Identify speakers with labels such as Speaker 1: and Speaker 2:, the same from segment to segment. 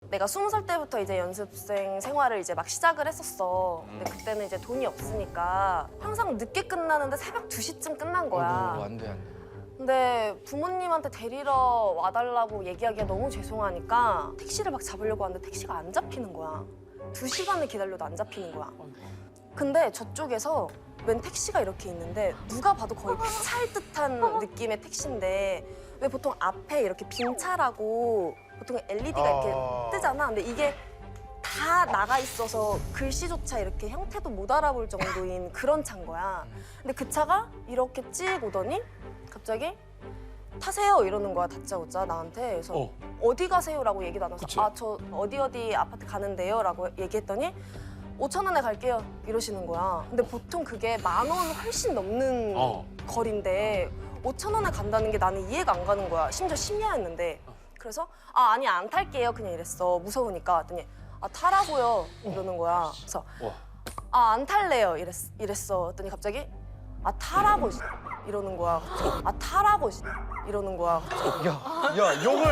Speaker 1: 내가 20살 때부터 이제 연습생 생활을 이제 막 시작을 했었어. 근데 그때는 이제 돈이 없으니까 항상 늦게 끝나는데 새벽 2시쯤 끝난 거야.
Speaker 2: 안 돼, 안 돼.
Speaker 1: 근데 부모님한테 데리러 와달라고 얘기하기가 너무 죄송하니까 택시를 막 잡으려고 하는데 택시가 안 잡히는 거야. 2시간을 기다려도 안 잡히는 거야. 근데 저쪽에서 웬 택시가 이렇게 있는데 누가 봐도 거의 폐차일 듯한 느낌의 택시인데 왜 보통 앞에 이렇게 빈 차라고 보통 LED가 이렇게 뜨잖아. 근데 이게 다 나가 있어서 글씨조차 이렇게 형태도 못 알아볼 정도인 그런 차인 거야. 근데 그 차가 이렇게 찍 오더니 갑자기 타세요 이러는 거야, 다짜고짜 나한테. 그래서 어디 가세요라고 얘기도 안 해서 아, 저 어디 아파트 가는데요 라고 얘기했더니 5,000원에 갈게요 이러시는 거야. 근데 보통 그게 10,000원 훨씬 넘는 거리인데 5,000원에 간다는 게 나는 이해가 안 가는 거야. 심지어 심야였는데. 그래서 아, 아니 안 탈게요 그냥 이랬어. 무서우니까. 했더니 아, 타라고요 이러는 거야. 그래서 아, 안 탈래요 이랬어. 했더니 갑자기 아, 타라고 이러는 거야. 아, 타라고 이러는 거야.
Speaker 2: 야, 욕을.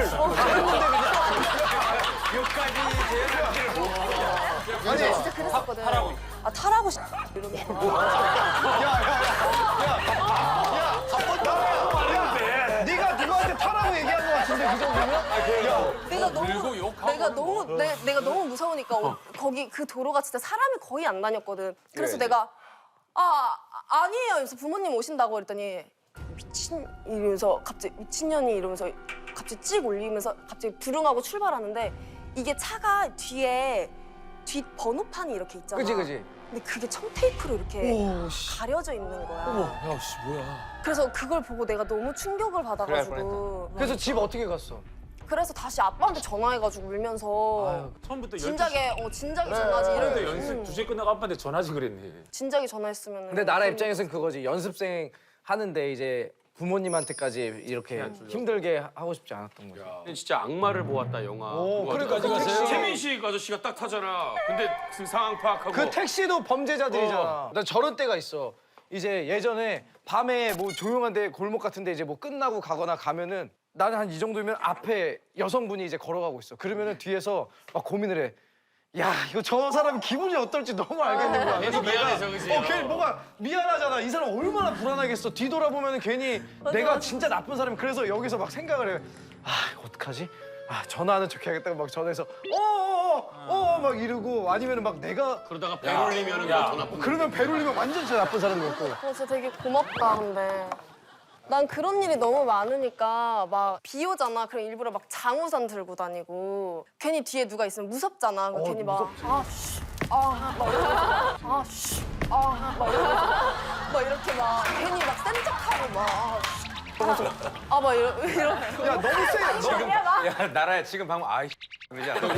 Speaker 1: 아니 진짜 그랬었거든. 아, 타라고 이러는 거야.
Speaker 2: 네가 누구한테 타라고 얘기한 것 같은데 그 정도면?
Speaker 1: 내가 너무 무서우니까 거기 그 도로가 진짜 사람이 거의 안 다녔거든. 그래서 내가 아니에요. 그래서 부모님 오신다고 그랬더니 이러면서 갑자기 미친년이 이러면서 갑자기 찍 올리면서 갑자기 부릉하고 출발하는데 이게 차가 뒤에 뒷 번호판이 이렇게 있잖아.
Speaker 2: 그지.
Speaker 1: 근데 그게 청테이프로 이렇게 가려져 있는 거야.
Speaker 2: 야, 씨, 뭐야.
Speaker 1: 그래서 그걸 보고 내가 너무 충격을 받아가지고.
Speaker 2: 그래서 집 어떻게 갔어?
Speaker 1: 그래서 다시 아빠한테 전화해가지고 울면서
Speaker 3: 처음부터
Speaker 1: 진작에 전화하지
Speaker 3: 그런데
Speaker 1: 이러고.
Speaker 3: 연습 2시에 끝나고 아빠한테 전화지 그랬네.
Speaker 1: 진작에 전화했으면.
Speaker 2: 근데 나라 입장에서는 그거지. 연습생 하는데 이제 부모님한테까지 이렇게 힘들게 하고 싶지 않았던 거지.
Speaker 4: 진짜 악마를 보았다 영화.
Speaker 2: 그러니까
Speaker 4: 어디까지
Speaker 2: 그
Speaker 4: 가세요?
Speaker 2: 택시-
Speaker 4: 최민식 아저씨가 딱 타잖아. 근데 그 상황 파악하고.
Speaker 2: 그 택시도 범죄자들이잖아. 나 저런 때가 있어. 이제 예전에 밤에 뭐 조용한데 골목 같은데 이제 뭐 끝나고 가거나 가면은 나는 한 이 정도면 앞에 여성분이 이제 걸어가고 있어. 그러면은 뒤에서 막 고민을 해. 야, 이거 저 사람 기분이 어떨지 너무 알겠는 거야.
Speaker 4: 괜히 미안해서 그지?
Speaker 2: 괜히 뭐가 미안하잖아. 이 사람 얼마나 불안하겠어. 뒤돌아보면은 괜히 내가 진짜 나쁜 사람이. 그래서 여기서 막 생각을 해. 아, 이거 어떡하지? 아, 전화하는 척 해야겠다고 막 전화해서 막 이러고 아니면은 막 내가
Speaker 4: 그러다가 배 올리면은 더 나쁜.
Speaker 2: 그러면 배 울리면 완전 진짜 나쁜 사람이었고.
Speaker 1: 진짜 되게 고맙다 근데. 난 그런 일이 너무 많으니까 막 비 오잖아. 그럼 일부러 막 장우산 들고 다니고 괜히 뒤에 누가 있으면 무섭잖아. 그럼 괜히 막 막 이렇게 막 괜히 막 센 척하고 막 이러면서
Speaker 2: 야, 너무 세.
Speaker 5: 야, 나라야 지금 방금 아이 그러지 않아?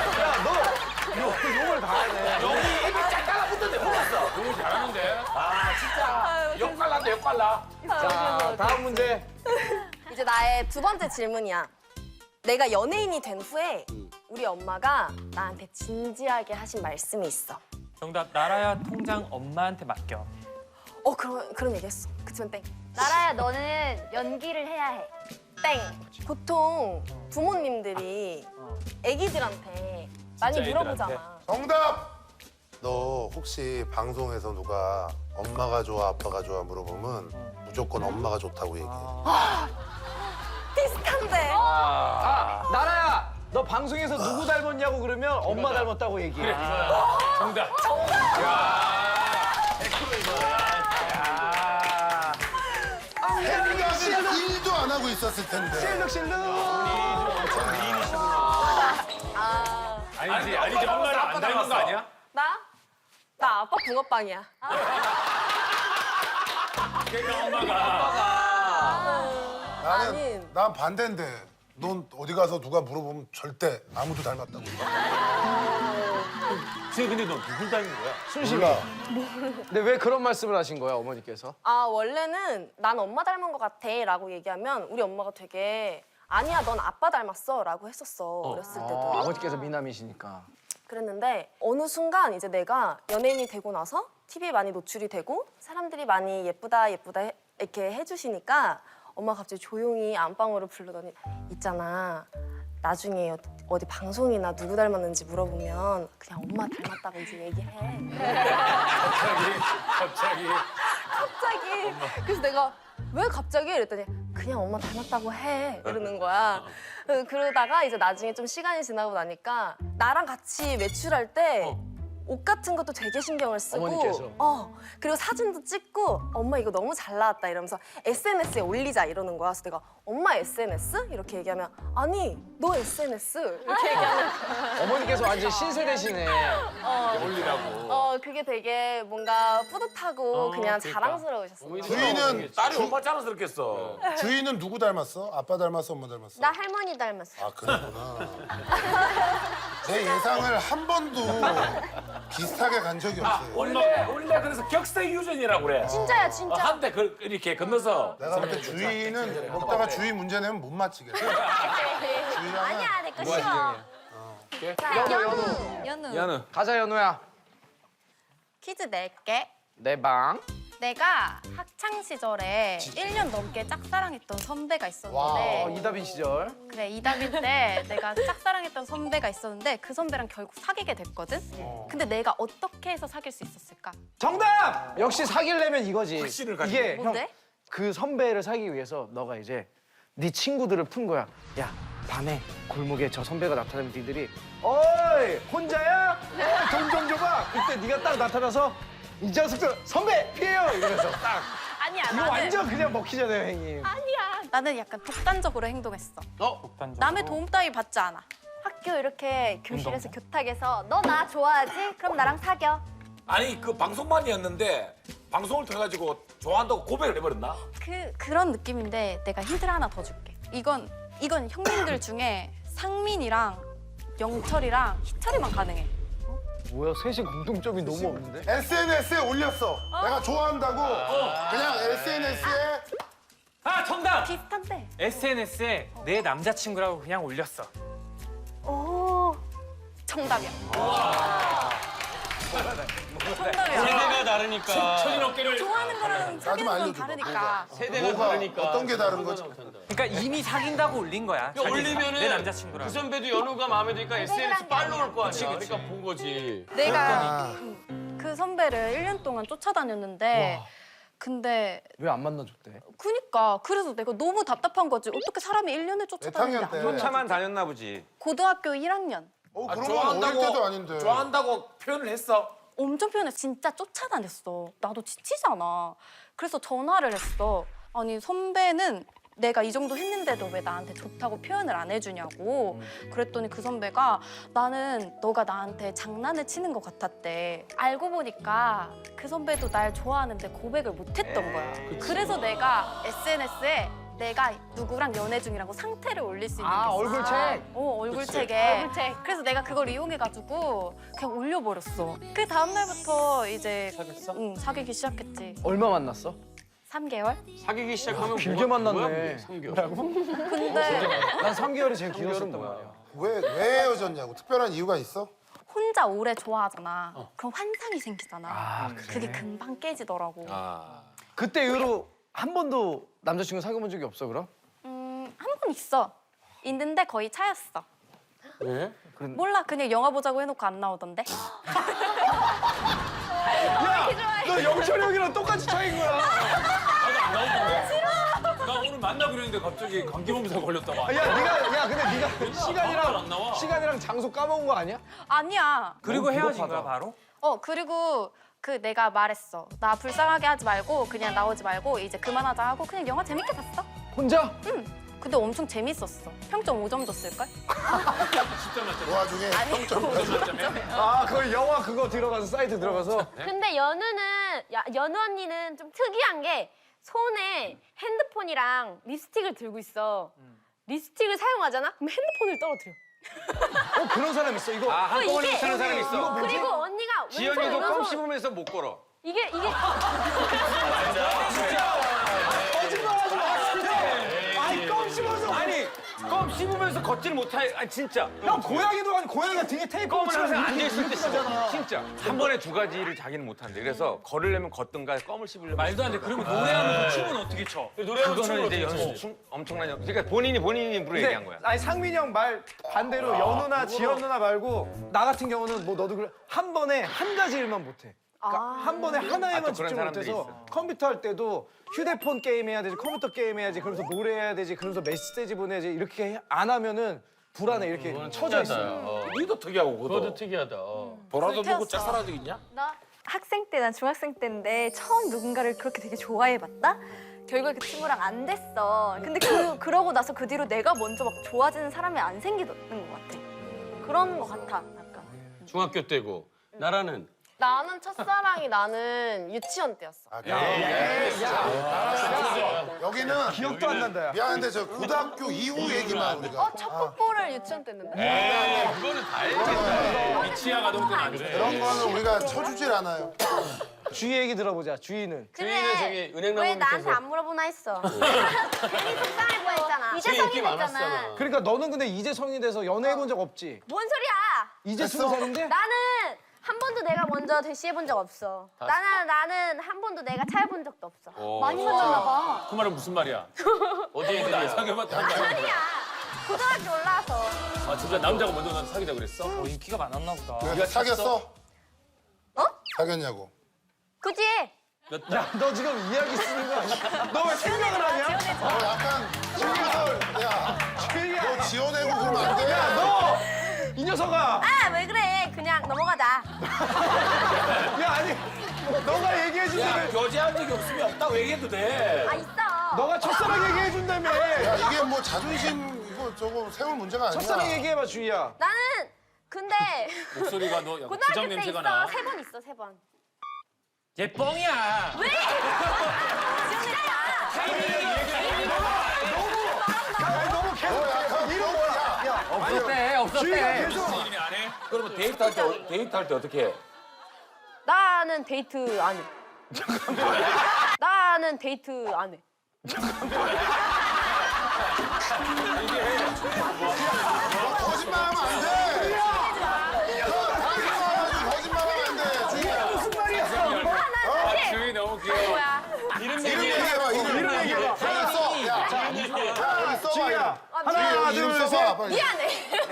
Speaker 2: 욕을 다 하네.
Speaker 5: 여기 입이 짝 달라붙던데 몰랐어.
Speaker 3: 너무 잘하는데.
Speaker 5: 역발란다 역발라.
Speaker 2: 자, 다음 문제.
Speaker 1: 이제 나의 두 번째 질문이야. 내가 연예인이 된 후에 우리 엄마가 나한테 진지하게 하신 말씀이 있어.
Speaker 6: 정답, 나라야 통장 엄마한테 맡겨.
Speaker 1: 그런 얘기했어. 그치만 땡.
Speaker 7: 나라야, 너는 연기를 해야 해.
Speaker 1: 땡. 보통 부모님들이 애기들한테 많이
Speaker 3: 진짜
Speaker 1: 물어보잖아.
Speaker 8: 정답! 너 혹시 방송에서 누가 엄마가 좋아, 아빠가 좋아 물어보면 무조건 엄마가 좋다고 얘기해.
Speaker 1: 비슷한데.
Speaker 2: 나라야, 너 방송에서 누구 닮았냐고 그러면 엄마 닮았다고 얘기해.
Speaker 3: 정답.
Speaker 8: 생각을 1도 안 하고 있었을 텐데.
Speaker 2: 실룩실룩.
Speaker 3: 아니지 엄마를 안 닮은 거 아니야?
Speaker 1: 나 아빠 붕어빵이야.
Speaker 3: 그러니까 엄마가.
Speaker 8: 난 반대인데. 넌 어디 가서 누가 물어보면 절대 아무도 닮았다고.
Speaker 3: 지금 근데 너 누굴 닮은 거야?
Speaker 8: 순식아.
Speaker 2: 근데 왜 그런 말씀을 하신 거야, 어머니께서?
Speaker 1: 원래는 난 엄마 닮은 것 같아 라고 얘기하면 우리 엄마가 되게 아니야, 넌 아빠 닮았어 라고 했었어. 어렸을 때도.
Speaker 2: 아버지께서 미남이시니까.
Speaker 1: 그랬는데 어느 순간 이제 내가 연예인이 되고 나서 TV에 많이 노출이 되고 사람들이 많이 예쁘다 이렇게 해주시니까 엄마가 갑자기 조용히 안방으로 부르더니 있잖아, 나중에 어디 방송이나 누구 닮았는지 물어보면 그냥 엄마 닮았다고 이제 얘기해.
Speaker 3: 갑자기.
Speaker 1: 그래서 내가 왜 갑자기 이랬더니 그냥 엄마 닮았다고 해 이러는 거야. 그러다가 이제 나중에 좀 시간이 지나고 나니까 나랑 같이 외출할 때 옷 같은 것도 되게 신경을 쓰고
Speaker 2: 어머니께서.
Speaker 1: 그리고 사진도 찍고 엄마 이거 너무 잘 나왔다 이러면서 SNS에 올리자 이러는 거야. 그래서 내가 엄마 SNS? 이렇게 얘기하면 아니 너 SNS 이렇게 얘기하는
Speaker 2: 어머니께서 완전 신세대시네.
Speaker 3: 올리라고.
Speaker 1: 그게 되게 뭔가 뿌듯하고 그냥 자랑스러우셨어요.
Speaker 8: 주인은
Speaker 5: 딸이 얼마나 자랑스럽겠어.
Speaker 8: 주인은 누구 닮았어? 아빠 닮았어? 엄마 닮았어?
Speaker 7: 나 할머니 닮았어.
Speaker 8: 아 그랬구나. 제 예상을 한 번도 비슷하게 간 적이 없어요.
Speaker 5: 원래 그래서 격세유전이라고 그래.
Speaker 7: 진짜야 진짜.
Speaker 5: 한때 이렇게 건너서.
Speaker 8: 내가 볼 때 주인은 먹다가 주인 문제 내면 못 맞히겠어. 주인은
Speaker 7: 아니야 내 거 쉬워. 자, 연우.
Speaker 2: 연우. 가자 연우야.
Speaker 9: 퀴즈 낼게.
Speaker 2: 내 방.
Speaker 9: 내가 학창 시절에 1년 넘게 짝사랑했던 선배가 있었는데
Speaker 2: 이다빈 시절.
Speaker 9: 그래 이다빈 때 내가 짝사랑했던 선배가 있었는데 그 선배랑 결국 사귀게 됐거든. 근데 내가 어떻게 해서 사귈 수 있었을까?
Speaker 2: 정답! 역시 사귀려면 이거지.
Speaker 5: 확신을 가지고.
Speaker 2: 이게
Speaker 9: 뭔데?
Speaker 2: 형, 그 선배를 사귀기 위해서 너가 이제 네 친구들을 푼 거야. 야, 밤에 골목에 저 선배가 나타나면 니들이 어이, 혼자야? 돈 좀 줘봐. 그때 네가 딱 나타나서 이 자식들 선배 피해요 이러면서 딱.
Speaker 9: 아니야
Speaker 2: 이거
Speaker 9: 나는
Speaker 2: 완전 그냥 먹히잖아요, 형님.
Speaker 9: 아니야 나는 약간 독단적으로 행동했어.
Speaker 6: 독단적으로.
Speaker 9: 남의 도움 따위 받지 않아.
Speaker 7: 학교 이렇게 교실에서 교탁에서 너 나 좋아하지? 그럼 나랑 사겨.
Speaker 5: 아니 그 방송만이었는데 방송을 통해 가지고 좋아한다고 고백을 해버렸나?
Speaker 9: 그런 느낌인데 내가 힌트를 하나 더 줄게. 이건 형님들 중에 상민이랑 영철이랑 희철이만 가능해.
Speaker 2: 뭐야, 셋이 공통점이 너무 없는데?
Speaker 8: SNS에 올렸어. 내가 좋아한다고 그냥 SNS에
Speaker 6: 아 정답!
Speaker 9: 비슷한데.
Speaker 6: SNS에 내 남자친구라고 그냥 올렸어.
Speaker 7: 오.
Speaker 9: 정답이야. 정답이야.
Speaker 4: 세대가 다르니까.
Speaker 5: 천인 어깨를.
Speaker 9: 좋아하는 거랑 사귀는 건
Speaker 8: 알려줘봐,
Speaker 9: 다르니까.
Speaker 4: 세대가
Speaker 8: 뭐가
Speaker 4: 다르니까.
Speaker 8: 어떤 게 다른 거지?
Speaker 6: 그러니까 이미 사귄다고 올린 거야. 자기가.
Speaker 4: 올리면은
Speaker 6: 내 남자친구라고.
Speaker 4: 그 선배도 연우가 마음에 드니까 SNS 팔로우 올 거 아니야. 그러니까 본 거지.
Speaker 9: 내가 그 선배를 1년 동안 쫓아다녔는데 근데
Speaker 2: 왜 안 만나줬대?
Speaker 9: 그니까 그래서 내가 너무 답답한 거지. 어떻게 사람이 1년을
Speaker 8: 몇
Speaker 9: 쫓아다니는데
Speaker 8: 학년 때?
Speaker 9: 안 만나지?
Speaker 5: 차만 다녔나 보지.
Speaker 9: 고등학교 1학년.
Speaker 8: 그런 건 어릴 때도 아닌데.
Speaker 5: 좋아한다고 표현을 했어.
Speaker 9: 엄청 표현해. 진짜 쫓아다녔어. 나도 지치잖아. 그래서 전화를 했어. 아니 선배는 내가 이 정도 했는데도 왜 나한테 좋다고 표현을 안 해주냐고. 그랬더니 그 선배가 나는 너가 나한테 장난을 치는 것 같았대. 알고 보니까 그 선배도 날 좋아하는데 고백을 못했던 거야. 그래서 내가 SNS에 내가 누구랑 연애 중이라고 상태를 올릴 수 있는 게 있어.
Speaker 2: 얼굴책.
Speaker 9: 얼굴책에.
Speaker 7: 얼굴책.
Speaker 9: 그래서 내가 그걸 이용해가지고 그냥 올려버렸어. 그 다음날부터 이제 사귀기 시작했지.
Speaker 2: 얼마 만났어?
Speaker 9: 3개월?
Speaker 4: 사귀기 시작하면
Speaker 2: 길게
Speaker 4: 뭐야,
Speaker 2: 만났네.
Speaker 4: 3개월.
Speaker 9: 근데
Speaker 2: 난 3개월이 제일 길었었단 말이야.
Speaker 8: 왜 헤어졌냐고? 특별한 이유가 있어?
Speaker 9: 혼자 오래 좋아하잖아. 그럼 환상이 생기잖아.
Speaker 2: 그래?
Speaker 9: 그게 금방 깨지더라고.
Speaker 2: 그때 이후로 한 번도 남자친구 사귀어본 적이 없어, 그럼?
Speaker 9: 한 번 있어. 있는데 거의 차였어.
Speaker 4: 왜?
Speaker 9: 몰라, 그냥 영화 보자고 해놓고 안 나오던데.
Speaker 2: 너 영철이 형이랑 똑같이 차인 거야.
Speaker 3: 나도 안 나오던데. 나 오늘 만나기로 했는데 갑자기 감기몸살 걸렸다고.
Speaker 2: 야, 근데 네가
Speaker 3: 안 나와.
Speaker 2: 시간이랑 장소 까먹은 거 아니야?
Speaker 9: 아니야.
Speaker 6: 그리고 헤어진
Speaker 2: 비겁하다.
Speaker 6: 거야 바로?
Speaker 9: 그리고 그 내가 말했어. 나 불쌍하게 하지 말고 그냥 나오지 말고 이제 그만하자 하고 그냥 영화 재밌게 봤어.
Speaker 2: 혼자?
Speaker 9: 근데 엄청 재밌었어. 평점 5점 줬을걸?
Speaker 8: 그 와중에 평점
Speaker 2: 그걸 영화 그거 들어가서 사이트 들어가서
Speaker 7: 근데 연우 언니는 좀 특이한 게 손에 핸드폰이랑 립스틱을 들고 있어. 립스틱을 사용하잖아? 그럼 핸드폰을 떨어뜨려.
Speaker 2: 그런 사람 있어. 이거
Speaker 4: 한꺼번에
Speaker 7: 이게-
Speaker 4: 못하는 사람이 있어.
Speaker 7: 그리고 언니가 왼손
Speaker 4: 지연이도 껌
Speaker 7: 오른손
Speaker 4: 씹으면서 못 걸어.
Speaker 7: 이게
Speaker 2: 거짓말하지 마. 아니 껌 씹어서. 아니
Speaker 4: 껌 씹으면서 걷지를 못해. 아니 진짜.
Speaker 2: 형 고양이도 아니 고양이가 등에 테이프
Speaker 4: 껌을
Speaker 2: 붙이면서
Speaker 4: 항상
Speaker 2: 이렇게
Speaker 4: 앉아있을 때 씹어.
Speaker 2: 씹잖아.
Speaker 4: 진짜. 한 번에 두 가지를 자기는 못한대. 그래서 걸으려면 걷든가 껌을 씹으려면.
Speaker 6: 말도 안 돼. 그러면 노래하면서 춤은 어떻게 춰?
Speaker 5: 노래하면
Speaker 4: 그거는 이제 연습 엄청난 연습. 그러니까 본인이 입으로 얘기한 거야.
Speaker 2: 아니 상민이 형 말 반대로 연우나 지연 누나 말고 나 같은 경우는 뭐 너도 그래 한 번에 한 가지 일만 못해. 그러니까 한 번에 하나에만
Speaker 4: 또 그런
Speaker 2: 집중
Speaker 4: 사람들이
Speaker 2: 못해서
Speaker 4: 있어.
Speaker 2: 컴퓨터 할 때도 휴대폰 게임 해야 되지 컴퓨터 게임 해야지 그러면서 노래해야 되지 그러면서 메시지 보내야지 이렇게 안 하면은 불안해 이렇게 쳐져 있어.
Speaker 5: 니도 특이하고 그것도.
Speaker 4: 특이하다.
Speaker 5: 보라도
Speaker 7: 불태웠어.
Speaker 5: 누구 짝사랑 적 있냐?
Speaker 7: 나 학생 때, 난 중학생 때인데 처음 누군가를 그렇게 되게 좋아해봤다? 결국에 그 친구랑 안 됐어. 근데 그러고 나서 그 뒤로 내가 먼저 막 좋아지는 사람이 안 생기는 것 같아. 그런 것 같아, 약간.
Speaker 4: 중학교 때고 나라는
Speaker 1: 나는 첫사랑이 나는 유치원 때였어.
Speaker 8: 아, 여기는
Speaker 2: 기억도 안 난다 야.
Speaker 8: 미안한데 저 고등학교 이후 얘기만 우리가.
Speaker 1: 첫 뽀뽀를 유치원 때 했는데.
Speaker 3: 그거는 다 알지. 미치야 가동 때는 안 돼.
Speaker 8: 그런 거는 우리가 쳐주질 않아요.
Speaker 2: 주희 얘기 들어보자. 주희는.
Speaker 4: 주인은 저기 은행나무
Speaker 7: 왜 나한테
Speaker 4: 밑에서
Speaker 7: 안 물어보나 했어. 괜히 속상해 보였잖아. 이제 성인 됐잖아.
Speaker 2: 그러니까 너는 근데 이제 성인이 돼서 연애해 본 적 없지?
Speaker 7: 뭔 소리야?
Speaker 2: 이제 20살인데?
Speaker 7: 나는 한 번도 내가 먼저 대시해 본 적 없어. 나는 한 번도 내가 차해 본 적도 없어. 많이 만났나 봐.
Speaker 3: 그 말은 무슨 말이야?
Speaker 4: 어디에
Speaker 3: 나 사귀어봤다.
Speaker 7: 아니야. 고등학교 올라와서.
Speaker 3: 아 진짜 남자가 먼저 난 사귀자 그랬어?
Speaker 6: 인기가 많았나 보다.
Speaker 8: 그래서 사귀었어?
Speaker 7: 어?
Speaker 8: 사귀었냐고.
Speaker 7: 굳이.
Speaker 2: 야, 너 지금 이야기 쓰는 거 아니야? 너 왜 생각을 하냐?
Speaker 8: 약간 지원을 야,
Speaker 2: 주희야,
Speaker 8: 너 지어내고 그러면 안 돼.
Speaker 2: 너! 이 녀석아!
Speaker 7: 아, 왜 그래? 그냥 넘어가자.
Speaker 2: 야, 아니, 너가 얘기해
Speaker 5: 야,
Speaker 2: 준다며.
Speaker 5: 교제한 적이 없으면 없다고 얘기해도 돼.
Speaker 7: 아, 있어.
Speaker 2: 너가 첫사랑 얘기해 준다며.
Speaker 8: 야, 이게 뭐 자존심 이거 저거 세울 문제가 아니야.
Speaker 2: 첫사랑 얘기해봐, 주희야.
Speaker 7: 나는 근데
Speaker 3: 목소리가 너 약간
Speaker 7: 고등학교
Speaker 3: 부장
Speaker 7: 때
Speaker 3: 냄새가
Speaker 7: 있어.
Speaker 3: 나.
Speaker 7: 3번 있어, 3번.
Speaker 6: 얘 뻥이야.
Speaker 7: 왜?
Speaker 2: 아니, 너무 계속 이런 거야. 야,
Speaker 6: 없었대.
Speaker 2: 주희가 계속.
Speaker 3: 이름이 안 해?
Speaker 5: 그러면 데이트할 때 어떻게 해?
Speaker 1: 나는 데이트 안 해. 나는 데이트 안 해.
Speaker 8: 거짓말하면 안 돼. 너 다른 거 와가지고 거짓말하면 안 돼. 주희야.
Speaker 2: 무슨 말이야?
Speaker 3: 아 주희 너무 귀여워.
Speaker 7: 뭐야?
Speaker 3: 이름
Speaker 8: 이름
Speaker 3: 얘기해.
Speaker 8: 얘기해봐. 이름
Speaker 2: 얘기해봐.
Speaker 8: 하나 써. 야, 여기 써봐.
Speaker 2: 주희야.
Speaker 8: 이름.
Speaker 2: 하나,
Speaker 8: 이름
Speaker 2: 둘,
Speaker 8: 써봐.
Speaker 2: 셋.
Speaker 8: 빨리.
Speaker 7: 미안해.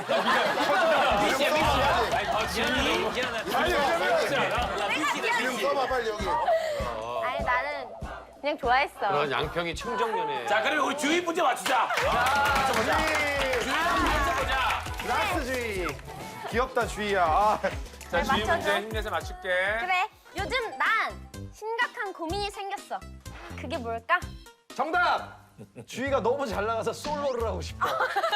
Speaker 8: 이름 써봐야지.
Speaker 3: 아 지현이
Speaker 2: 아니, 왜냐면
Speaker 8: 이름 써봐 빨리 여기.
Speaker 7: 아니, 나는 그냥 좋아했어.
Speaker 4: 그런 양평이 청정연애.
Speaker 5: 자, 그러면 우리 주위 문제 맞추자. 맞춰보자. 주위 문제 맞춰보자.
Speaker 2: 라스 주희. 귀엽다, 주희야. 아,
Speaker 3: 자 주희
Speaker 7: 맞춰줘.
Speaker 3: 문제 힘내서 맞출게.
Speaker 7: 그래. 요즘 난 심각한 고민이 생겼어. 그게 뭘까?
Speaker 2: 정답! 주희가 너무 잘 나가서 솔로를 하고 싶어.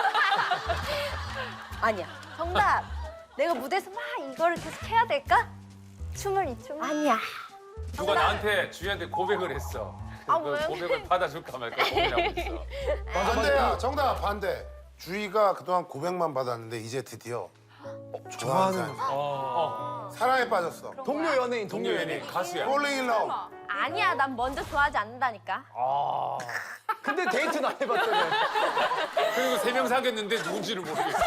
Speaker 7: 아니야. 정답. 내가 무대에서 막 이거를 계속 해야 될까? 춤을 이 춤. 아니야.
Speaker 3: 누가 나한테 주희한테 고백을 했어.
Speaker 7: 아,
Speaker 3: 그
Speaker 7: 왜?
Speaker 3: 고백을 받아줄까 말까 고민하고 있어.
Speaker 8: 반대야. 정답 반대. 주희가 그동안 고백만 받았는데 이제 드디어 좋아하는 사람. 사랑에 빠졌어.
Speaker 2: 동료 연예인, 동료 연예인.
Speaker 3: 연예인 가수야.
Speaker 8: Falling in love.
Speaker 7: 아니야. 난 먼저 좋아하지 않는다니까.
Speaker 2: 근데 데이트는 안 해봤더니.
Speaker 3: 그리고 3명 사귀었는데 누군지를 모르겠어.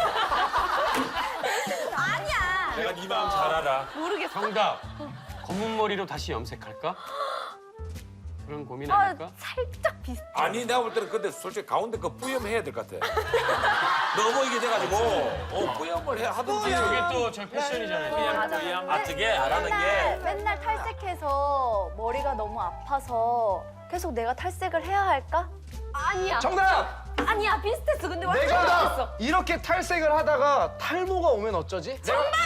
Speaker 7: 아니야.
Speaker 3: 내가 네 마음 잘 알아.
Speaker 7: 모르겠어.
Speaker 4: 정답. 검은 머리로 다시 염색할까? 그런 고민
Speaker 7: 아,
Speaker 4: 아닐까?
Speaker 7: 살짝 비슷해.
Speaker 5: 아니, 내가 볼 때는 근데 솔직히 가운데 거 뿌염해야 될 것 같아. 너무 이게 돼가지고 뿌염을 해 하든지.
Speaker 4: 저게 또 저 패션이잖아요.
Speaker 3: 그냥
Speaker 5: 어떻게 안 하는 게.
Speaker 7: 맨날 탈색해서 머리가 너무 아파서 계속 내가 탈색을 해야 할까? 아니야.
Speaker 2: 정답!
Speaker 7: 아니야. 비슷했어. 근데 완전
Speaker 2: 내가
Speaker 7: 비슷했어.
Speaker 2: 이렇게 탈색을 하다가 탈모가 오면 어쩌지?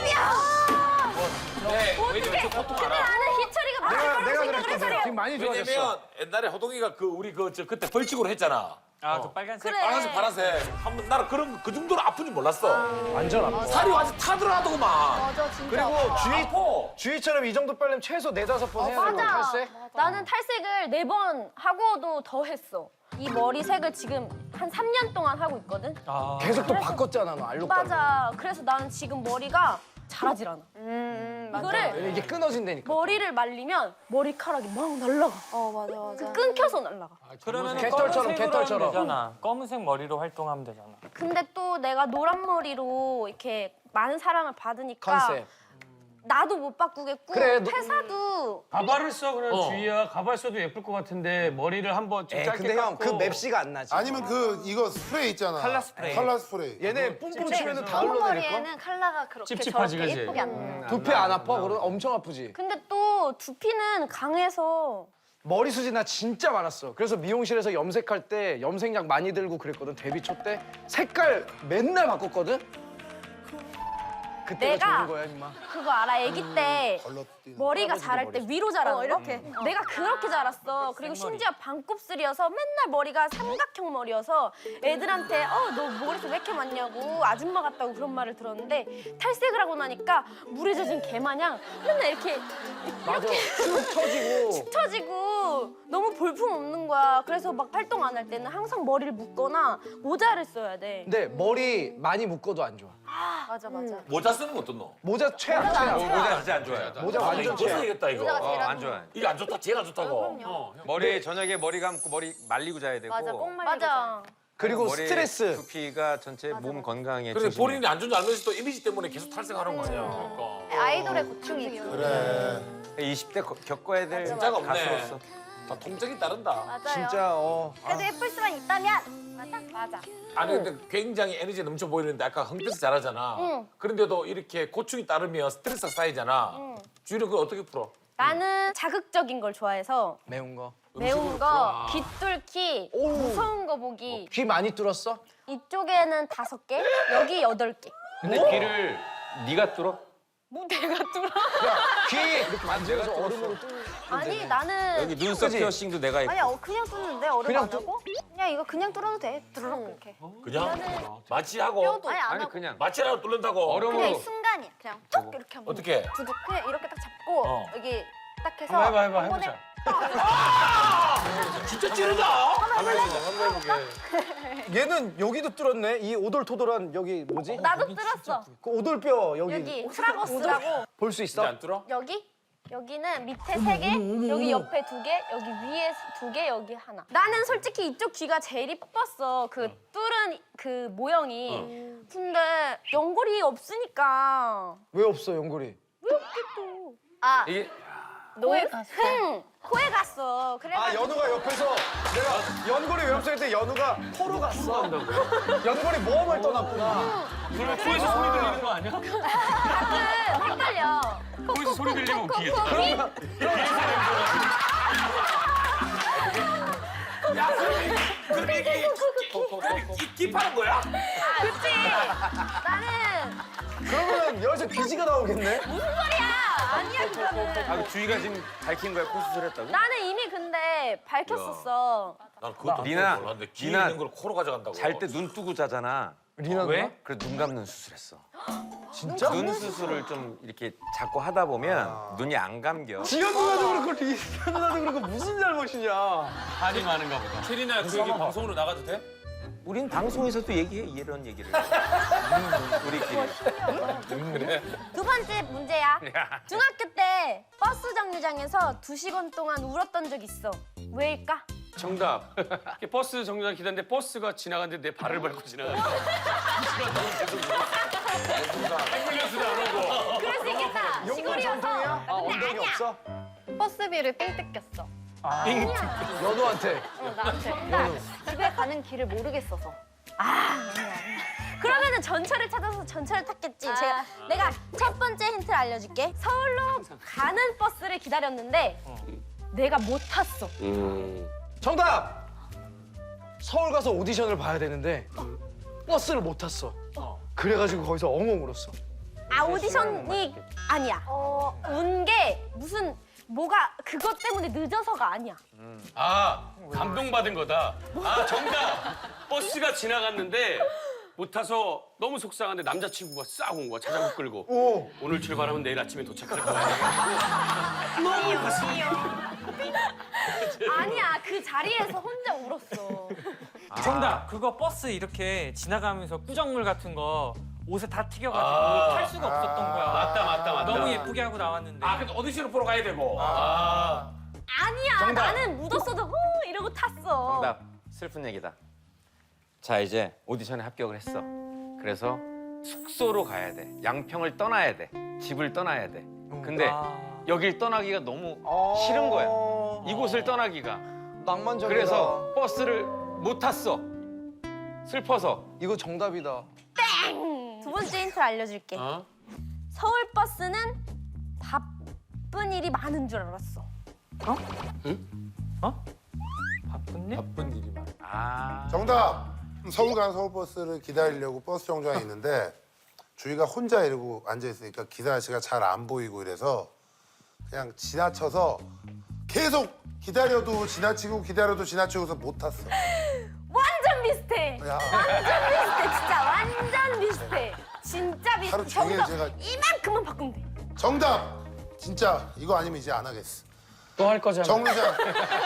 Speaker 5: 네,
Speaker 7: 어떡해. 근데 나는 희철이가 맞을 거라고
Speaker 2: 내가
Speaker 7: 생각을
Speaker 2: 그랬거든.
Speaker 7: 해서
Speaker 2: 지금 많이 좋아졌어.
Speaker 5: 왜냐면 옛날에 호동이가 그 우리 그때 벌칙으로 했잖아.
Speaker 6: 아, 그 빨간색.
Speaker 7: 그래.
Speaker 5: 빨간색, 파란색. 한번 나는 그런 그 정도로 아픈지 몰랐어.
Speaker 2: 완전 아파.
Speaker 5: 살이 완전 타들어가더구만.
Speaker 7: 맞아, 진짜.
Speaker 2: 그리고
Speaker 5: 아파.
Speaker 2: 주희처럼 이 정도 빨리면 최소 4-5번 해야 되고
Speaker 7: 맞아.
Speaker 2: 탈색?
Speaker 7: 나는 탈색을 4번 하고도 더 했어. 이 머리색을 지금 한 3년 동안 하고 있거든.
Speaker 2: 계속 또 바꿨잖아, 너 알록달록.
Speaker 7: 맞아. 그래서 나는 지금 머리가
Speaker 1: 자라질 않아.
Speaker 7: 맞아.
Speaker 1: 이거를
Speaker 2: 이게 끊어진다니까.
Speaker 1: 머리를 말리면 머리카락이 막 날라가.
Speaker 7: 맞아 맞아.
Speaker 1: 끊겨서 날라가.
Speaker 6: 그러면
Speaker 2: 개털처럼, 개털처럼.
Speaker 6: 되잖아. 검은색 머리로 활동하면 되잖아.
Speaker 1: 근데 또 내가 노란 머리로 이렇게 많은 사랑을 받으니까
Speaker 2: 컨셉.
Speaker 1: 나도 못 바꾸겠고
Speaker 2: 그래,
Speaker 1: 회사도
Speaker 4: 가발을 써 그래 주희야. 가발 써도 예쁠 것 같은데 머리를 한번 좀 짧게
Speaker 2: 근데 형 그
Speaker 4: 깎고.
Speaker 2: 맵시가 안 나지.
Speaker 8: 아니면 이거 스프레이 있잖아.
Speaker 6: 칼라 스프레이.
Speaker 8: 칼라 스프레이.
Speaker 2: 얘네 뿜뿜 치면은 다 흘러내릴 걸.
Speaker 7: 머리에는 컬러가 그렇게
Speaker 4: 찝찝하지,
Speaker 7: 저렇게
Speaker 4: 그지?
Speaker 7: 예쁘게 안 나.
Speaker 2: 두피 안 아파? 그럼 엄청 아프지.
Speaker 1: 근데 또 두피는 강해서
Speaker 2: 머리 숱이 나 진짜 많았어. 그래서 미용실에서 염색할 때 염색약 많이 들고 그랬거든. 데뷔 초 때 색깔 맨날 바꿨거든. 그때가
Speaker 1: 내가
Speaker 2: 좋은 거야, 임마.
Speaker 1: 그거 알아? 아기 때
Speaker 8: 걸러뛰는.
Speaker 1: 머리가 자랄 때 위로 자라는 거?
Speaker 7: 이렇게.
Speaker 1: 내가 그렇게 자랐어. 그리고 심지어 반곱슬이어서 맨날 머리가 삼각형 머리여서 애들한테 너 머리숱 왜 이렇게 많냐고 아줌마 같다고 그런 말을 들었는데 탈색을 하고 나니까 물에 젖은 개 마냥 맨날 이렇게
Speaker 2: 맞아. 쭉 처지고.
Speaker 1: 쳐지고 너무 볼품 없는 거야. 그래서 막 활동 안 할 때는 항상 머리를 묶거나 모자를 써야 돼.
Speaker 2: 근데 머리 많이 묶어도 안 좋아.
Speaker 7: 맞아 맞아.
Speaker 5: 모자 쓰는 거 어떻노?
Speaker 2: 모자 최악, 최악.
Speaker 5: 모자 진짜 안 좋아요.
Speaker 2: 모자 완전 최악.
Speaker 5: 벗어야겠다 이거.
Speaker 7: 모자가 제일
Speaker 10: 안 좋아요.
Speaker 5: 이게 안 좋다, 제일 안 좋다고.
Speaker 10: 머리 저녁에 머리 감고 머리 말리고 자야 되고.
Speaker 7: 맞아 꼭 말리고.
Speaker 1: 맞아.
Speaker 2: 그리고
Speaker 10: 머리
Speaker 2: 스트레스.
Speaker 10: 두피가 전체 몸 건강에
Speaker 5: 그래
Speaker 10: 조심해.
Speaker 5: 본인이 안 좋은 줄 알면서 또 이미지 때문에 계속 탈색하는 거 아니야.
Speaker 7: 아이돌의 고충이지.
Speaker 8: 그래.
Speaker 10: 20대 겪어야 될
Speaker 5: 진짜가 없네.
Speaker 10: 가수로서.
Speaker 5: 다 통증이 따른다.
Speaker 7: 맞아요.
Speaker 2: 진짜
Speaker 7: 그래도 예쁠 수만 있다면 맞아.
Speaker 5: 아니 근데 굉장히 에너지 넘쳐 보이는데 아까 흥돼서 잘하잖아.
Speaker 1: 응.
Speaker 5: 그런데도 이렇게 고충이 따르면 스트레스가 쌓이잖아. 주희는 그걸 어떻게 풀어?
Speaker 1: 나는 자극적인 걸 좋아해서
Speaker 2: 매운 거.
Speaker 1: 매운 거, 귀 뚫기, 무서운 거 보기.
Speaker 2: 귀 많이 뚫었어?
Speaker 1: 이쪽에는 5개, 여기 8개.
Speaker 10: 근데 귀를 네가 뚫어?
Speaker 1: 뭐 내가 뚫어?
Speaker 2: 귀 이렇게 만져서 얼음으로 뚫.
Speaker 1: 아니 나는
Speaker 10: 여기 눈썹
Speaker 2: 그치?
Speaker 10: 피어싱도 내가 했고.
Speaker 7: 아니야 그냥 뚫는데 얼음
Speaker 2: 그냥
Speaker 7: 안 하고? 그냥 이거 그냥 뚫어도 돼. 드르륵 이렇게.
Speaker 5: 그냥 마취하고
Speaker 7: 아니 안
Speaker 10: 아니
Speaker 7: 하고.
Speaker 10: 그냥
Speaker 5: 마취하고 뚫는다고.
Speaker 7: 그냥 이
Speaker 10: 얼음으로.
Speaker 7: 순간이야. 그냥 툭 이렇게 한번.
Speaker 5: 어떻게?
Speaker 7: 두둑 그냥 이렇게 딱 잡고
Speaker 5: 어.
Speaker 7: 여기 딱 해서
Speaker 4: 한번 해봐
Speaker 7: 한 번에
Speaker 4: 해보자.
Speaker 5: 진짜 찌르다.
Speaker 2: 얘는 여기도 뚫었네. 이 오돌토돌한 여기 뭐지?
Speaker 1: 나도 뚫었어.
Speaker 2: 그 오돌뼈 여기
Speaker 1: 여기 트라거스라고.
Speaker 2: 볼 수
Speaker 5: 진짜
Speaker 2: 있어?
Speaker 5: 안 뚫어?
Speaker 1: 여기? 여기는 밑에 3개, 여기 옆에 2개, 여기 위에 2개, 여기 하나. 나는 솔직히 이쪽 귀가 제일 이뻤어. 그 뚫은 그 모형이. 근데 연골이 없으니까.
Speaker 2: 왜 없어 연골이?
Speaker 1: 아,
Speaker 10: 이게
Speaker 1: 코에 갔어. 코에 갔어.
Speaker 2: 아
Speaker 1: 그래가지고
Speaker 2: 연우가 옆에서 내가 연골이 왜 없어 했더니 연우가 코로 갔어. 연골이 모험을 떠났구나.
Speaker 4: 그러면 코에서 소리 들리는 거 아니야?
Speaker 1: 가끔 헷갈려.
Speaker 4: 코에서 소리 들리면 웃기겠다.
Speaker 5: 그럼 이게 깁하는 거야?
Speaker 1: 그치? 나는
Speaker 2: 그러면 여기서 귀지가 나오겠네?
Speaker 1: 아니야 그거는.
Speaker 10: 아 주희가 지금 밝힌 거야 코 수술했다고?
Speaker 1: 나는 이미 근데 밝혔었어.
Speaker 5: 난 그것도
Speaker 10: 리나,
Speaker 5: 몰랐는데 귀
Speaker 10: 리나,
Speaker 5: 있는 걸 코로 가져간다고.
Speaker 10: 잘 때 눈 뜨고 자잖아.
Speaker 2: 리나
Speaker 10: 왜? 그래 눈 감는 수술했어.
Speaker 2: 진짜?
Speaker 10: 눈 수술을 좀 이렇게 자꾸 하다 보면 눈이 안 감겨.
Speaker 2: 지연 누나도 그렇고 리나 누나도 그렇고 무슨 잘못이냐?
Speaker 4: 한이 많은가 보다.
Speaker 3: 체리나 그 얘기 방송으로 나가도 돼?
Speaker 10: 우린 방송에서도 얘기해 이런 얘기를. 우리끼리.
Speaker 1: 두 번째 문제야. 중학교 때 버스 정류장에서 2시간 동안 울었던 적 있어. 왜일까?
Speaker 4: 정답. 이렇게 버스 정류장 기다리는데 버스가 지나가는데 내 발을 밟고 지나가는 거야.
Speaker 1: 그럴 수 있겠다.
Speaker 2: 용건
Speaker 1: 시골이어서.
Speaker 2: 전통이야? 엉덩이 없어?
Speaker 7: 버스비를 삥 뜯겼어.
Speaker 2: 연우한테.
Speaker 7: 나한테. 나 집에 가는 길을 모르겠어서.
Speaker 1: 그러면은 전철을 찾아서 전철을 탔겠지. 내가 첫 번째 힌트를 알려줄게. 서울로 가는 버스를 기다렸는데 내가 못 탔어.
Speaker 2: 정답! 서울 가서 오디션을 봐야 되는데 버스를 못 탔어. 그래가지고 거기서 엉엉 울었어.
Speaker 1: 아 오디션이 아니야. 운 게 무슨 뭐가 그것 때문에 늦어서가 아니야.
Speaker 4: 아 감동받은 거다. 아 정답. 버스가 지나갔는데 못 타서 너무 속상한데 남자친구가 싹 온 거야. 자전거 끌고.
Speaker 2: 오.
Speaker 4: 오늘 출발하면 내일 아침에 도착할 거야. 너무 가슴이.
Speaker 1: 아니야 그 자리에서 혼자 울었어.
Speaker 6: 정답. 그거 버스 이렇게 지나가면서 꾸정물 같은 거 옷에 다 튀겨가지고 탈 수가 없었던 거야. 얘기하고 나왔는데.
Speaker 5: 아, 근데 오디션을 보러 가야 되고.
Speaker 7: 아니야
Speaker 2: 정답.
Speaker 7: 나는 묻었어도 이러고 탔어.
Speaker 10: 정답. 슬픈 얘기다. 자, 이제 오디션에 합격을 했어. 그래서 숙소로 가야 돼. 양평을 떠나야 돼. 집을 떠나야 돼. 근데 여길 떠나기가 너무 싫은 거야. 이곳을 떠나기가.
Speaker 2: 낭만적이다.
Speaker 10: 그래서 버스를 못 탔어. 슬퍼서.
Speaker 2: 이거 정답이다.
Speaker 7: 두 번째 힌트를 알려줄게. 서울 버스는 바쁜 일이 많은 줄 알았어.
Speaker 6: 바쁜 일?
Speaker 5: 바쁜 일이 많아.
Speaker 10: 아.
Speaker 8: 정답. 서울 가는 서울버스를 기다리려고 버스 정류장에 있는데 주희가 혼자 이러고 앉아 있으니까 기사 아저씨가 잘 안 보이고 이래서 그냥 지나쳐서 계속 기다려도 지나치고 기다려도 지나치고서 못 탔어.
Speaker 7: 완전 비슷해.
Speaker 8: 야,
Speaker 7: 비슷해 진짜 완전 비슷해. 진짜
Speaker 8: 하루
Speaker 7: 비슷해.
Speaker 8: 종일
Speaker 7: 저기서
Speaker 8: 제가
Speaker 7: 이만큼만 바꾸면 돼.
Speaker 8: 정답. 진짜 이거 아니면 이제 안 하겠어.
Speaker 6: 또 할 거잖아.
Speaker 8: 정류장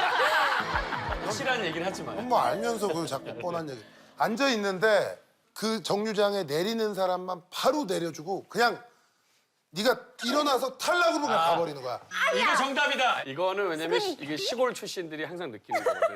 Speaker 4: 확실한 얘기는 하지 마요.
Speaker 8: 뭐 알면서 그걸 자꾸 뻔한 얘기. 앉아 있는데 그 정류장에 내리는 사람만 바로 내려주고 그냥 네가 일어나서 탈락으로 그냥 가버리는 거야.
Speaker 4: 이거 정답이다. 이거는 왜냐면 이게 시골 출신들이 항상 느끼는 거거든.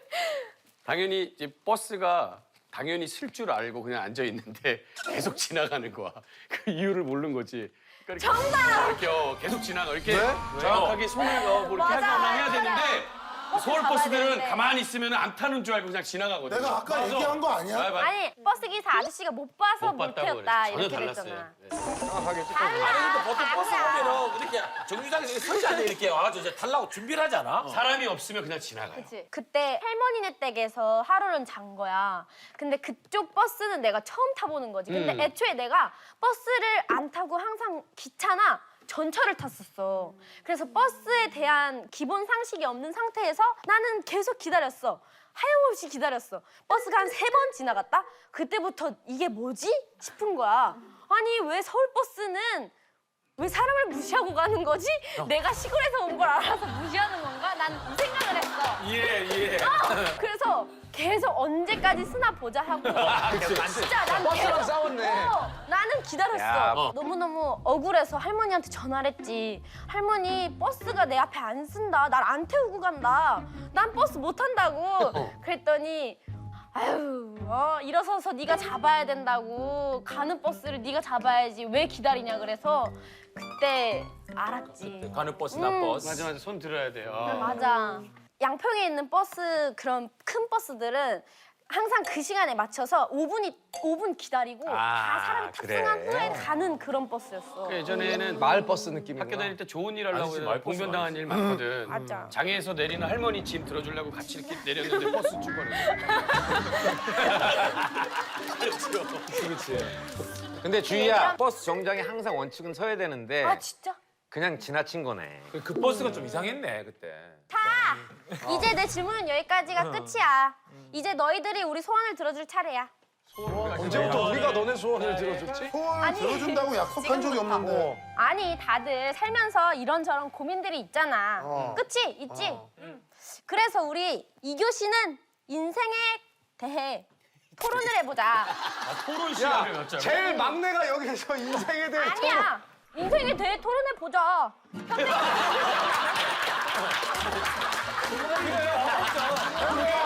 Speaker 4: 당연히 이제 버스가 당연히 쓸 줄 알고 그냥 앉아 있는데 계속 지나가는 거야. 그 이유를 모르는 거지. 그러니까 정답! 이렇게 계속 지나가. 이렇게 정확하게 손을 뭐 이렇게
Speaker 7: 맞아,
Speaker 4: 하거나 해야
Speaker 7: 맞아.
Speaker 4: 되는데 서울
Speaker 7: 잡아야
Speaker 4: 버스들은
Speaker 7: 되는데.
Speaker 4: 가만히 있으면 안 타는 줄 알고 그냥 지나가거든.
Speaker 8: 내가 아까 얘기한 거 아니야?
Speaker 7: 아니 버스 기사 아저씨가 못 봐서
Speaker 4: 못
Speaker 7: 못
Speaker 4: 봤다고
Speaker 7: 태웠다
Speaker 4: 그랬지. 전혀
Speaker 7: 이렇게
Speaker 4: 달랐어요.
Speaker 7: 됐잖아.
Speaker 2: 정확하게 찍고.
Speaker 5: 아니, 근데 보통 버스 보면은 이렇게 정류장에서 서지 않아 이렇게 와가지고 이제 타려고 준비를 하잖아.
Speaker 4: 사람이 없으면 그냥 지나가요.
Speaker 7: 그치. 그때 할머니네 댁에서 하루는 잔 거야. 근데 그쪽 버스는 내가 처음 타보는 거지. 근데 애초에 내가 버스를 안 타고 항상 기차나 전철을 탔었어. 그래서 버스에 대한 기본 상식이 없는 상태에서 나는 계속 기다렸어. 하염없이 기다렸어. 버스가 한 3번 지나갔다? 그때부터 이게 뭐지? 싶은 거야. 아니 왜 서울 버스는 왜 사람을 무시하고 가는 거지? 내가 시골에서 온 걸 알아서 무시하는 건가? 난 이 생각을 했어.
Speaker 4: 예.
Speaker 7: 그래서 계속 언제까지 쓰나 보자 하고 진짜 난
Speaker 2: 버스랑
Speaker 7: 계속
Speaker 2: 싸웠네.
Speaker 7: 나는 기다렸어.
Speaker 10: 야,
Speaker 7: 너무너무 억울해서 할머니한테 전화를 했지. 할머니 버스가 내 앞에 안 쓴다. 날 안 태우고 간다. 난 버스 못 탄다고. 그랬더니 아유 일어서서 네가 잡아야 된다고. 가는 버스를 네가 잡아야지. 왜 기다리냐 그래서 그때 알았지.
Speaker 5: 가는 버스 나 버스.
Speaker 4: 맞아. 손 들어야 돼요.
Speaker 7: 맞아. 양평에 있는 버스 그런 큰 버스들은 항상 그 시간에 맞춰서 5분 기다리고 다 사람이 탑승한
Speaker 10: 그래.
Speaker 7: 후에 가는 그런 버스였어.
Speaker 4: 그 예전에는
Speaker 2: 마을 버스 느낌이구나.
Speaker 4: 학교 다닐 때 좋은 일 하려고
Speaker 5: 아니지,
Speaker 4: 해서
Speaker 5: 말버스
Speaker 4: 봉변당한 일 많거든.
Speaker 7: 맞아.
Speaker 4: 장애에서 내리는 할머니 짐 들어주려고 같이 이렇게 내렸는데 버스 출발해.
Speaker 10: 근데 주희야, 버스 정류장에 항상 원칙은 서야 되는데
Speaker 7: 아 진짜?
Speaker 10: 그냥 지나친 거네.
Speaker 5: 그 버스가 좀 이상했네 그때.
Speaker 7: 이제 내 질문은 여기까지가 끝이야. 이제 너희들이 우리 소원을 들어줄 차례야.
Speaker 2: 언제부터 우리가 너네 소원을 들어줬지?
Speaker 8: 소원 들어준다고 약속한 적이 없는데.
Speaker 7: 아니 다들 살면서 이런저런 고민들이 있잖아. 그치? 있지? 그래서 우리 2교시는 인생에 대해 토론을 해보자.
Speaker 4: 토론 시간을 갖자고.
Speaker 2: 제일 막내가 여기서 인생에 대해
Speaker 7: 아니야. 인생에 대해 토론해보자.
Speaker 2: 토론.